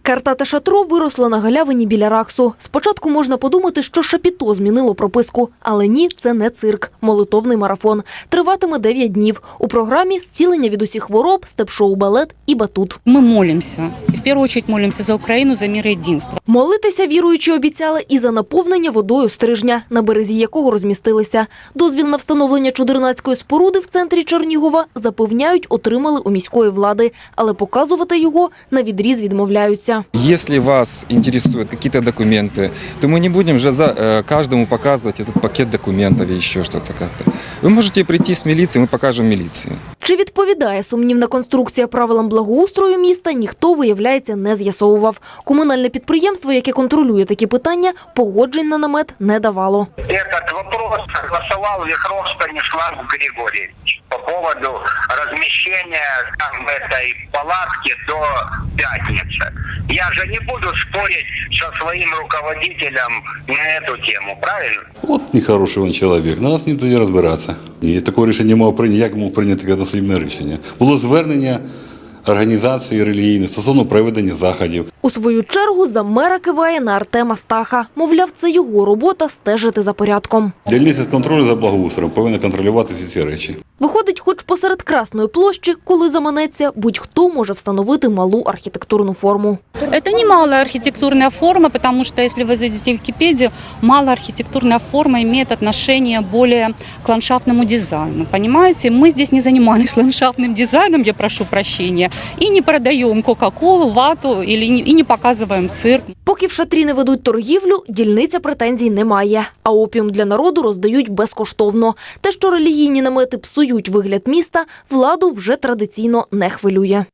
Картате шатро виросло на галявині біля Раксу. Спочатку можна подумати, що Шапіто змінило прописку. Але ні, це не цирк. Молитовний марафон. Триватиме 9 днів. У програмі зцілення від усіх хвороб, степ-шоу, балет і батут. Мы молимся. И в первую очередь молимся за Украину, за мир и единство. Молитися віруючі обіцяли і за наповнення водою стрижня, на березі якого розмістилися. Дозвіл на встановлення чудернацької споруди в центрі Чернігова, запевняють, отримали у міської влади. Але показувати його навідріз відмовляються. Если вас интересуют какие-то документы, то мы не будем же каждому показывать этот пакет документов или еще что-то как-то. Вы можете прийти с милицией, мы покажем милиции. Чи відповідає сумнівна конструкція правилам благоустрою міста, ніхто, виявляється, не з'ясовував. Комунальне підприємство, яке контролює такі питання, погоджень на намет не давало. Этот вопрос согласовал Вихров Станислав Григорьевич по поводу размещения там этой палатки до пятницы. Я же не буду спорить со своим руководителем на эту тему, правильно? От нехороший він чоловік, на нас не тоді розбиратися. І такого рішення мав прийняти, як мав прийняти одноосібне рішення. Було звернення організації релігійної стосовно проведення заходів. У свою чергу за мера киває на Артема Стаха. Мовляв, це його робота стежити за порядком. Дільниця з контролю за благоустроєм повинна контролювати всі ці речі. Виходить, хоч посеред Красної площі, коли заманеться, будь-хто може встановити малу архітектурну форму. Это не малая архитектурная форма, потому что, если вы зайдете в Википедию, малая архитектурная форма имеет отношение более к ландшафтному дизайну. Понимаете, мы здесь не занимались ландшафтным дизайном, я прошу прощения, и не продаем кока-колу, вату, и не показываем цирк. Поки в шатрі не ведуть торгівлю, дільниця претензій не має. А опіум для народу роздають безкоштовно. Те, що релігійні намети псують вигляд міста, владу вже традиційно не хвилює.